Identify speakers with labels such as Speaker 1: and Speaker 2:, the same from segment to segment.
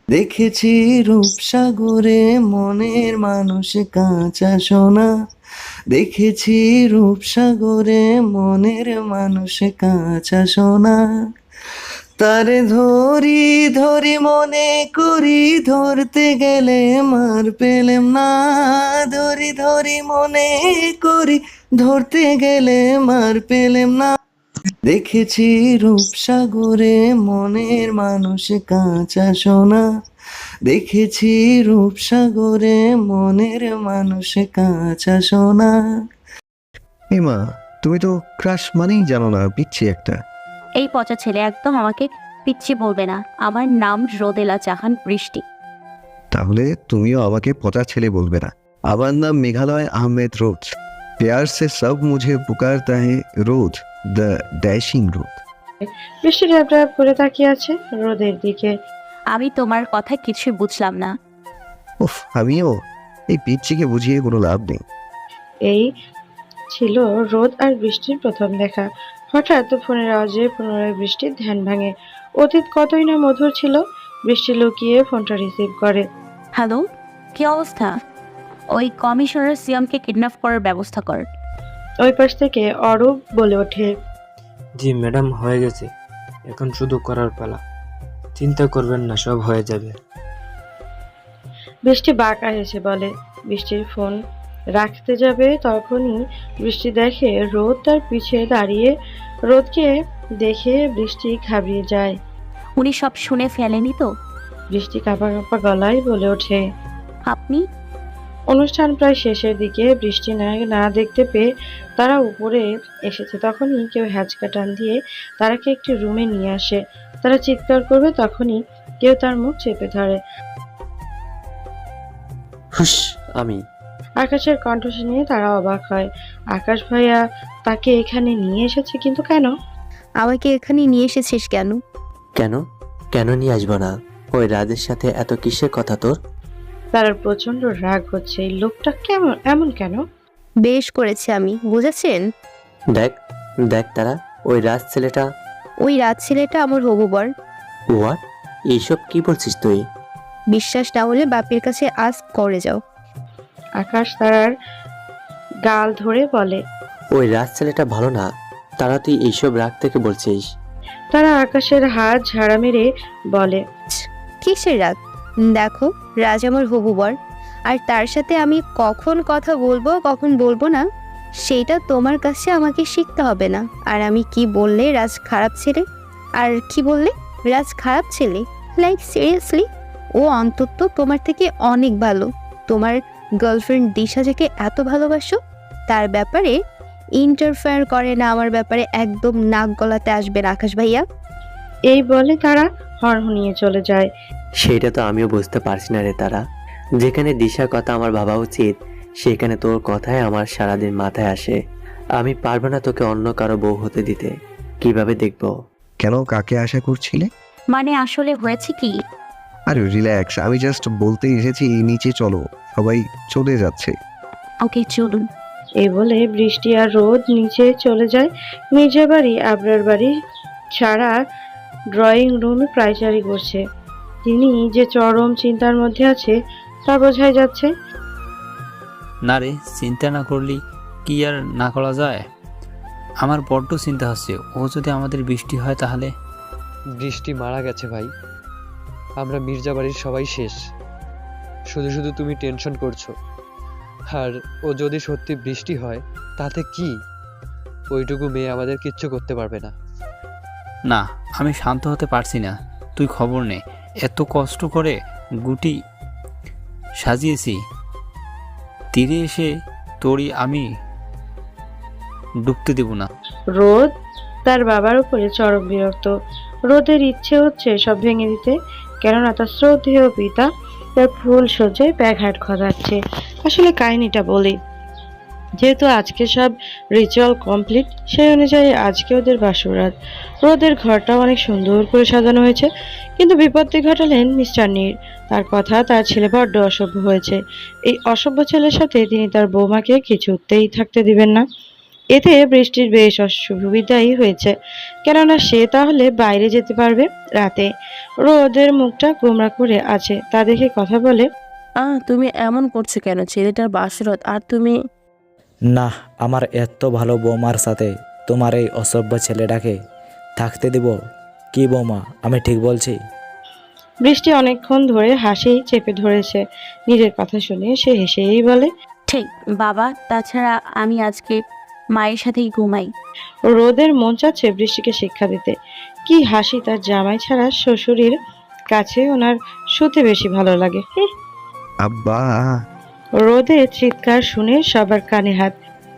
Speaker 1: দেখেছি রূপসাগরে মনের মানুষ কাঁচা সোনা, দেখেছি রূপসাগরে মনের মানুষ কাঁচা সোনা। তারে ধরি ধরি মনে করি, ধরতে গেলে মার পেলেম না। ধরি ধরি মনে করি, ধরতে গেলে মার পেলেম না। দেখেছি রূপসাগরে মনের মানুষ কাঁচা সোনা, দেখেছি রূপসাগরে মনের মানুষ কাঁচা সোনা।
Speaker 2: মা, তুমি তো ক্রাশ মানেই জানো না, পিচ্ছি একটা।
Speaker 3: এই পচা ছেলে, একদম আমাকে পিচ্ছি বলবে না। আমার নাম রোদেলা জাহান বৃষ্টি।
Speaker 2: তাহলে তুমিও আমাকে পচা ছেলে বলবে না। আমার নাম মেঘালয় আহমেদ রোজ। प्यार से सब मुझे पुकारता है रोज, द डैशिंग रोज।
Speaker 4: বৃষ্টি ড্যাব ড্যাব করে তাকিয়ে আছে রোদের দিকে।
Speaker 3: আমি তোমার কথা কিছুই বুঝলাম না।
Speaker 2: উফ, আমিও। এই পিচ্ছিকে বুঝিয়ে কোনো লাভ নেই।
Speaker 4: এই ছিল রোদ আর বৃষ্টির প্রথম দেখা। হঠাৎ ফোনের আওয়াজে পুনরায় বৃষ্টির ধ্যান ভাঙে। অতীত কতই না মধুর ছিল। বৃষ্টি লুকিয়ে ফোনটা রিসিভ করে।
Speaker 3: হ্যালো, কি অবস্থা? ওই কমিশনার সিয়ামকে কিডন্যাপ করার ব্যবস্থা কর।
Speaker 4: ওই পাশ থেকে অরূপ বলে ওঠে,
Speaker 5: জি ম্যাডাম, হয়ে গেছে। এখন শুধু করার পালা। চিন্তা করবেন না, সব হয়ে যাবে।
Speaker 4: বৃষ্টি বাঁকা হেসে বলে। বৃষ্টির ফোন রাখতে যাবে তখনই বৃষ্টি দেখে রোদ তার পিছে দাঁড়িয়ে। রোদকে দেখে বৃষ্টি ঘাবড়িয়ে যায়।
Speaker 3: উনি সব শুনে ফেলেনি তো?
Speaker 4: বৃষ্টি কাঁপা কাঁপা গলায় বলে ওঠে।
Speaker 3: আপনি?
Speaker 4: অনুষ্ঠান প্রায় শেষের দিকে। বৃষ্টি না দেখতে পেয়ে তারা উপরে এসেছে। তখনই কেউ হ্যাচকা টান দিয়ে তারাকে একটি রুমে নিয়ে আসে। তারা চিৎকার করবে তখনই কেউ তার মুখ চেপে ধরে।
Speaker 5: হুশ, আমি।
Speaker 4: আকাশের কণ্ঠ শুনে তারা অবাক হয়। আকাশ ভাইয়া তাকে এখানে নিয়ে এসেছে, কিন্তু কেন?
Speaker 6: আমাকে এখানে নিয়ে এসেছিস কেন?
Speaker 7: কেন কেন নিয়ে আসবো না? ওই রাজের সাথে এত কিসের কথা তোর?
Speaker 4: তার প্রচন্ড রাগ হচ্ছে। এই লোকটা কেমন, এমন কেন?
Speaker 6: বেশ করেছি আমি, বুঝেছেন?
Speaker 7: দেখ দেখ তারা, ওই রাজ ছেলেটা।
Speaker 6: ওই রাত ছেলেটা আমার হবু বর।
Speaker 7: হোয়াট? এইসব কি বলছিস তুই?
Speaker 6: বিশ্বাস না হলে বাপের কাছে আজ করে যাও।
Speaker 4: আকাশ তারার গাল ধরে বলে।
Speaker 7: ওই রাজ ছেলেটা ভালো না, তারা তুই এইসব রাগ থেকে বলছিস?
Speaker 4: তারা আকাশের হাত ঝাড়া মেরে বলে,
Speaker 6: কিসের রাগ? দেখো, রাজ আমার হবু বর, আর তার সাথে আমি কখন কথা বলবো কখন বলবো না সেইটা তোমার কাছে আমাকে শিখতে হবে না। আর আমি কি বললে রাজ খারাপ ছেলে, আর কি বললে রাজ খারাপ ছেলে? লাইক সিরিয়াসলি, ও অন্তত তোমার থেকে অনেক ভালো। তোমার গার্লফ্রেন্ড দিশা যাকে এত ভালোবাসো, তার ব্যাপারে ইন্টারফেয়ার করে না, আমার ব্যাপারে একদম নাক গলাতে আসবে না আকাশ ভাইয়া।
Speaker 4: এই বলে তারা হনহনিয়ে চলে যায়।
Speaker 7: সেটা তো আমিও বুঝতে পারছি না রে তারা। যেখানে দিশার কথা আমার ভাবা উচিত, সেখানে তোর কথাই আমার সারাদিন মাথায় আসে। আমি পারবো না তোকে অন্য কারো বউ হতে দিতে। কিভাবে দেখবো?
Speaker 2: কেন, কাকে আশা করছিলে?
Speaker 3: মানে আসলে হয়েছে কি?
Speaker 2: আরে রিল্যাক্স, আমি জাস্ট বলতে এসেছি নিচে চলো, সবাই চলে যাচ্ছে।
Speaker 3: ওকে, চলুন।
Speaker 4: এই বলে বৃষ্টি আর রোদ নিচে চলে যায়। নিজের বাড়ি আবরার বাড়ি ছাড়া ড্রয়িং রুমে পায়চারি করছে। তিনি যে চরম চিন্তার মধ্যে আছে তা বোঝাই যাচ্ছে।
Speaker 8: না রে, চিন্তা না করলি কি আর না করা যায়? আমার বড্ড চিন্তা হচ্ছে, ও যদি আমাদের বৃষ্টি হয় তাহলে।
Speaker 5: বৃষ্টি মারা গেছে ভাই। আমরা মির্জা বাড়ির সবাই শেষ। শুধু শুধু তুমি টেনশন করছো। আর ও যদি সত্যি বৃষ্টি হয় তাতে কি? ওইটুকু মেয়ে আমাদের কিচ্ছু করতে পারবে না।
Speaker 8: না, আমি শান্ত হতে পারছি না। তুই খবর নে, এত কষ্ট করে গুটি সাজিয়েছি, তীরে এসে তোরই আমি ডুবতে দেব না।
Speaker 4: রোদ তার বাবার উপরে চরম বিরক্ত। রোদের ইচ্ছে হচ্ছে সব ভেঙে দিতে, কেননা তার শ্রদ্ধেয় পিতা তার ফুল সজ্জায় ব্যাঘাত ঘটাচ্ছে। আসলে কাহিনীটা বলি, যেহেতু আজকে সব রিচুয়াল কমপ্লিট, সেই অনুযায়ী আজকে ওদের বাসরাত। রোদের ঘরটা অনেক সুন্দর করে সাজানো হয়েছে, কিন্তু বিপত্তি ঘটালেন মিস্টার নীর। তার কথা, তার ছেলে বড্ড অসভ্য হয়েছে। এই অসভ্য ছেলের সাথে তিনি তার বৌমাকে কিছুতেই থাকতে দিবেন না। এতে বৃষ্টির বেশ অসুবিধাই হয়েছে, কেননা সে তাহলে বাইরে যেতে পারবে রাতে। রোদের মুখটা গোমরা করে আছে, তা দেখে কথা বলে।
Speaker 9: তুমি এমন করছো কেন? ছেলেটার বাসরত আর তুমি।
Speaker 10: না, আমার এত ভালো বৌমার সাথে তোমার এই অসভ্য ছেলেটাকে থাকতে দিব? কি বৌমা, আমি ঠিক বলছি?
Speaker 4: বৃষ্টি অনেকক্ষণ ধরে হাসি চেপে ধরেছে। নিজের কথা শুনে সে হেসেই বলে,
Speaker 3: ঠিক বাবা, তাছাড়া আমি আজকে মায়ের সাথেই ঘুমাই।
Speaker 4: রোদের মন চাচ্ছে বৃষ্টিকে শিক্ষা দিতে। কি হাসি তার জামাই ছাড়া শ্বশুরের কাছে ওনার শুতে বেশি ভালো লাগে।
Speaker 2: আব্বা,
Speaker 4: রোদের চিৎকার শুনে সবার কানে হাত।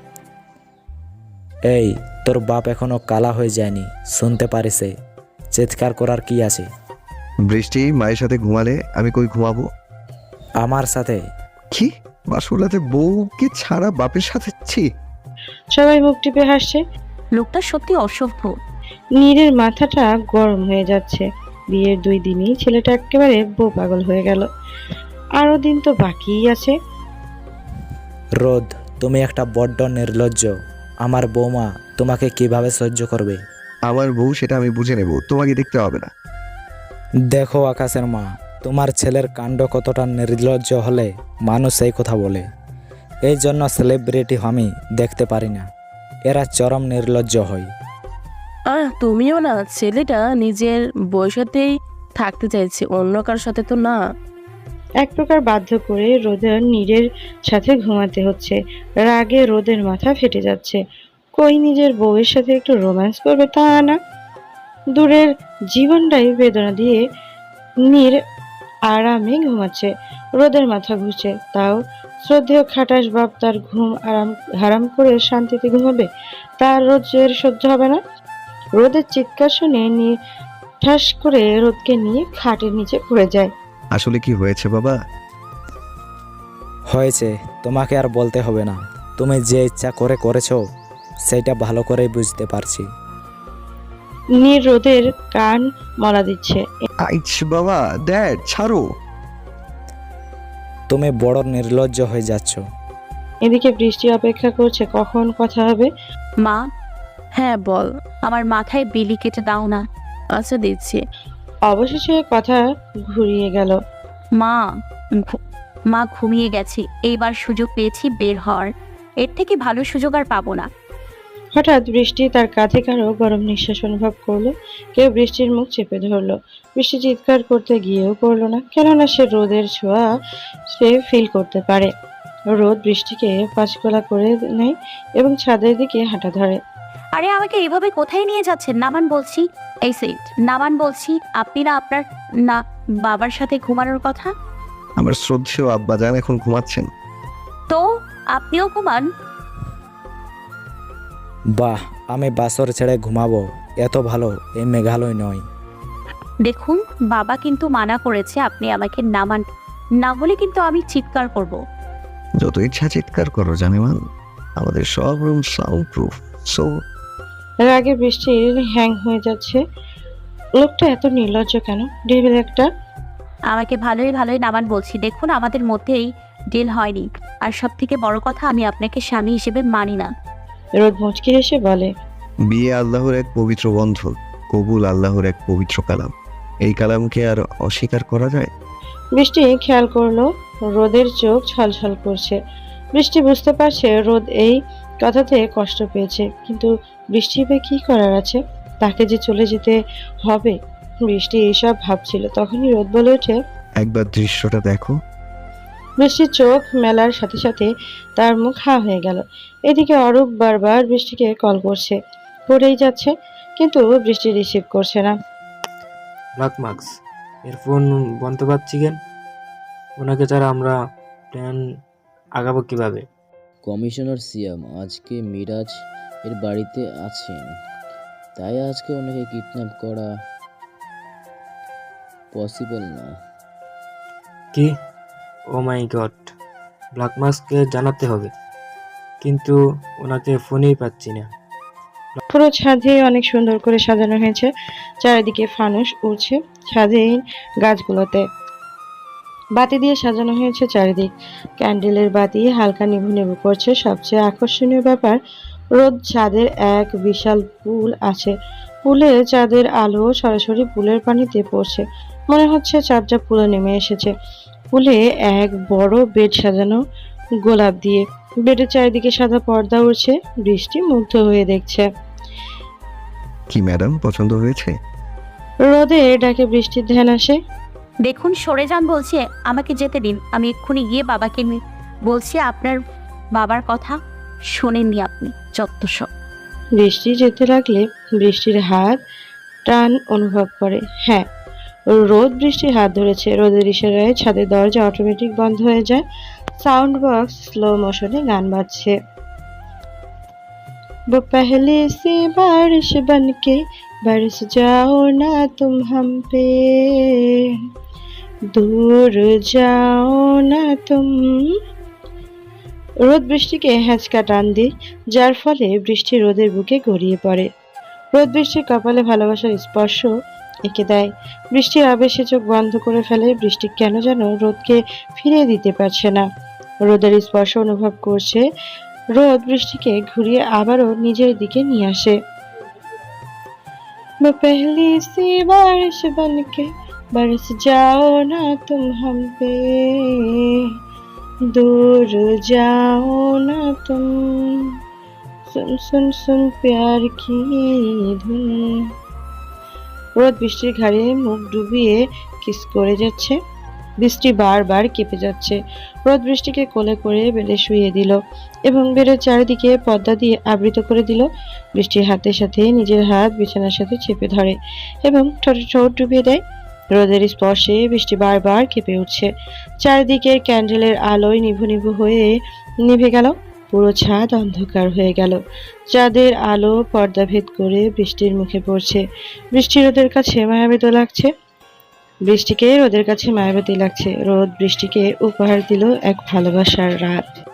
Speaker 10: এই, তোর বাপ এখনো কালা হয়ে যায়নি, শুনতে পারিস? চিৎকার করার কি আছে?
Speaker 2: বৃষ্টি মায়ের সাথে ঘুমালে আমি কই ঘুমাবো?
Speaker 10: আমার সাথে?
Speaker 2: কি বাসুলাতে বউকে ছাড়া বাপের সাথে? ছি!
Speaker 4: সবাই মুখ টিপে হাসছে।
Speaker 3: লোকটা সত্যি অসভ্য।
Speaker 4: নীরের মাথাটা গরম হয়ে যাচ্ছে। বিয়ের 2 দিনেই ছেলেটা একেবারে বউ পাগল হয়ে গেল। আরো দিন তো বাকিই আছে।
Speaker 10: রোদ, তুমি একটা বড্ড নির্লজ্জ। আমার বৌমা তোমাকে কিভাবে সহ্য করবে?
Speaker 2: আমার বউ সেটা আমি বুঝে নেব, তোমাকে দেখতে হবে না।
Speaker 10: দেখো আকাশের মা, তোমার ছেলের কাণ্ড কতটা নির্লজ্জ হলে মানুষ এই কথা বলে। এই জন্য সেলিব্রিটি আমি দেখতে পারি না, এরা চরম নির্লজ্জ হয়।
Speaker 9: তুমিও না, ছেলেটা নিজের বউয়ের সাথেই থাকতে চাইছে, অন্য কারোর সাথে তো না।
Speaker 4: এক প্রকার বাধ্য করে রোদের নীরের সাথে ঘুমাতে হচ্ছে। রাগে রোদের মাথা ফেটে যাচ্ছে। কই নিজের বউয়ের সাথে একটু রোম্যান্স করবে তা না, দূরের জীবনটাই বেদনা দিয়ে নীর আরামে ঘুমাচ্ছে। রোদের মাথা ঘুরছে, তাও শ্রদ্ধেয় খাটাস বাপ তার ঘুম হারাম করে শান্তিতে ঘুমাবে? তার রোজের সহ্য হবে না। রোদের চিৎকার শুনে নিয়ে ঠাস করে রোদকে নিয়ে খাটের নিচে পড়ে যায়।
Speaker 2: আসলে কি হয়েছে বাবা?
Speaker 10: হয়েছে তোমাকে আর বলতে হবে না, তুমি যে ইচ্ছা করে করেছো সেটা ভালো করেই বুঝতে পারছি।
Speaker 4: নীর রোদের কান মলা দিচ্ছে।
Speaker 2: আইছ বাবা, ড্যাড ছাড়ো।
Speaker 10: তুমি বড় নির্লজ্জ হয়ে যাচ্ছ।
Speaker 4: এদিকে বৃষ্টি অপেক্ষা করছে কখন কথা হবে।
Speaker 3: মা,
Speaker 9: হ্যাঁ বল।
Speaker 3: আমার মাথায় বিলি কেটে দাও না।
Speaker 9: আচ্ছা দিচ্ছি।
Speaker 4: অবশেষে কথা ঘুরিয়ে গেল।
Speaker 3: মা, মা ঘুমিয়ে গেছি, এইবার সুযোগ পেয়েছি বের হওয়ার। এর থেকে ভালো সুযোগ আর পাবো না।
Speaker 4: হঠাৎ বৃষ্টি তার কাঁধে কারো গরম নিঃশ্বাস অনুভব করলো। কেউ বৃষ্টির মুখ চেপে ধরলো। বৃষ্টি চিৎকার করতে গিয়েও করলো না, কেননা সে রোদের ছোঁয়া সে ফিল করতে পারে। রোদ বৃষ্টিকে পাঁচকোলা করে নেয় এবং ছাদের দিকে হাঁটা ধরে।
Speaker 3: আরে আমাকে এইভাবে কোথায় নিয়ে যাচ্ছেন? নামান বলছি। এই সেট নামান বলছি। আপনি না আপনার না বাবার সাথে ঘুমানোর কথা।
Speaker 2: আমার শ্রদ্ধেয় আব্বা জান এখন ঘুমাচ্ছেন।
Speaker 3: তো আপনিও ঘুমান।
Speaker 10: বাহ, আমি বাসর ছেড়ে ঘুমাবো, এত ভালো এই মেঘালয় নয়।
Speaker 3: দেখুন, বাবা কিন্তু মানা করেছে আপনি আমাকে নামান, না হলে কিন্তু আমি চিৎকার করব।
Speaker 2: যত ইচ্ছা চিৎকার করো জানেমান, আমাদের সব রুম সাউন্ড প্রুফ। সো
Speaker 4: রাগে বৃষ্টির হ্যাং হয়ে যাচ্ছে। লোকটা এত নির্লজ্জ কেন? ডেভিল একটা।
Speaker 3: আমাকে ভালোই ভালোই নামান বলছি। দেখুন, আমাদের মধ্যেই ডিল হয়নি, আর সব থেকে বড় কথা, আমি আপনাকে স্বামী হিসেবে মানি না।
Speaker 4: রোদ মুচকি হেসে বলে,
Speaker 2: বিয়ে আল্লাহর এক পবিত্র বন্ধন, কবুল আল্লাহর এক পবিত্র কালাম। এই কালামকে আর অস্বীকার করা যায়?
Speaker 4: বৃষ্টি খেয়াল করলো রোদের চোখ ছলছল করছে। বৃষ্টি বুঝতে পারছে রোদ এই কথাতে কষ্ট পেয়েছে, কিন্তু বৃষ্টি বা কি করার আছে? তাকে যে চলে যেতে হবে। বৃষ্টি এইসব ভাবছিল, তখনই রোদ বলে ওঠে,
Speaker 2: একবার দৃশ্যটা দেখো।
Speaker 4: বৃষ্টির চোখ মেলার সাথে সাথে তার মুখ হা হয়ে গেল। এদিকে অরূপ বারবার বৃষ্টিকে কল করছে, করেই যাচ্ছে, কিন্তু বৃষ্টি রিসিভ করছে না।
Speaker 11: ব্ল্যাক মার্কস এর ফোন বন্ধ পাচ্ছি কেন? ওনাকে ছাড়া আমরা প্ল্যান আগাবো কিভাবে?
Speaker 12: কমিশনার সিয়াম আজকে মিরাজ এর বাড়িতে আছেন, তাই আজকে ওনাকে কিডন্যাপ করা পসিবল না।
Speaker 11: কি? ও মাই গড, ব্ল্যাক মার্কসকে জানাতে হবে, কিন্তু ওনাকে ফোনেই পাচ্ছি না।
Speaker 4: পুরো ছাদে অনেক সুন্দর করে সাজানো হয়েছে, চারিদিকে ফানুস উড়ছে। ছাদের গাছগুলোতে বাতি দিয়ে সাজানো হয়েছে চারিদিক। ক্যান্ডেলের বাতি হালকা নিভু নিভু করছে। সবচেয়ে আকর্ষণীয় ব্যাপার, রোদ ছাদের এক বিশাল পুল আছে। পুলে চাঁদের আলো সরাসরি পুলের পানিতে পড়ছে। মনে হচ্ছে চাঁদটা পুলে নেমে এসেছে। পুলে এক বড় বেড সাজানো গোলাপ দিয়ে। বেডের চারিদিকে সাদা পর্দা উড়ছে। বৃষ্টি মুগ্ধ হয়ে দেখছে।
Speaker 2: কি ম্যাডাম, পছন্দ হয়েছে?
Speaker 4: রোদে ডাকে বৃষ্টির ধ্যান আসে।
Speaker 3: দেখুন সরে যান বলছি, আমাকে যেতে দিন। আমি এক্ষুনি গিয়ে বাবাকে বলছি আপনার বাবার কথা শোনেননি আপনি, যত সব।
Speaker 4: বৃষ্টি যেতে লাগলে বৃষ্টির হাত টান অনুভব করে। হ্যাঁ, রোদ বৃষ্টির হাত ধরেছে। রোদের ইশারায় ছাদের দরজা অটোমেটিক বন্ধ হয়ে যায়। সাউন্ড বক্স স্লো মোশনে গান বাজছে। वो पहले से बारिश बनके बरस जाओ ना तुम हम पे, दूर जाओ ना तुम। রোদ বৃষ্টিকে হ্যাঁচকা টান দিয়ে, যার ফলে বৃষ্টি রোদের বুকে গড়িয়ে পড়ে। রোদ বৃষ্টির কপালে ভালোবাসার স্পর্শ এঁকে দেয়। বৃষ্টির আবেশে চোখ বন্ধ করে ফেলে। বৃষ্টি কেন যেন রোদকে ফিরিয়ে দিতে পারছে না। রোদের স্পর্শ অনুভব করছে। রোদ বৃষ্টিকে ঘুরিয়ে আবারও নিজের দিকে নিয়ে আসে। वो पहली सी बारिश बनके बरस जाओ ना तुम हम पे, दूर जाओ ना तुम, सुन सुन सुन प्यार की धुन। রোদ বৃষ্টির ঘাড়ে মুখ ডুবিয়ে কিস করে যাচ্ছে। বৃষ্টি বারবার কেঁপে যাচ্ছে। রোদ বৃষ্টিকে কোলে করে বেডে শুইয়ে দিল এবং বেডের চারিদিকে পর্দা দিয়ে আবৃত করে দিল। বৃষ্টির হাতের সাথে নিজের হাত বিছানার সাথে চেপে ধরে এবং ঠোঁটে ঠোঁট ডুবিয়ে দেয়। রোদের স্পর্শে বৃষ্টি বারবার কেঁপে উঠছে। চারিদিকের ক্যান্ডেলের আলোয় নিভু নিভু হয়ে নিভে গেল। পুরো ছাদ অন্ধকার হয়ে গেল। চাঁদের আলো পর্দা ভেদ করে বৃষ্টির মুখে পড়ছে। বৃষ্টি রোদের কাছে মায়াবী লাগছে। বৃষ্টিকে রোদের কাছে মায়াবতী লাগছে। রোদ বৃষ্টিকে উপহার দিল এক ভালোবাসার রাত।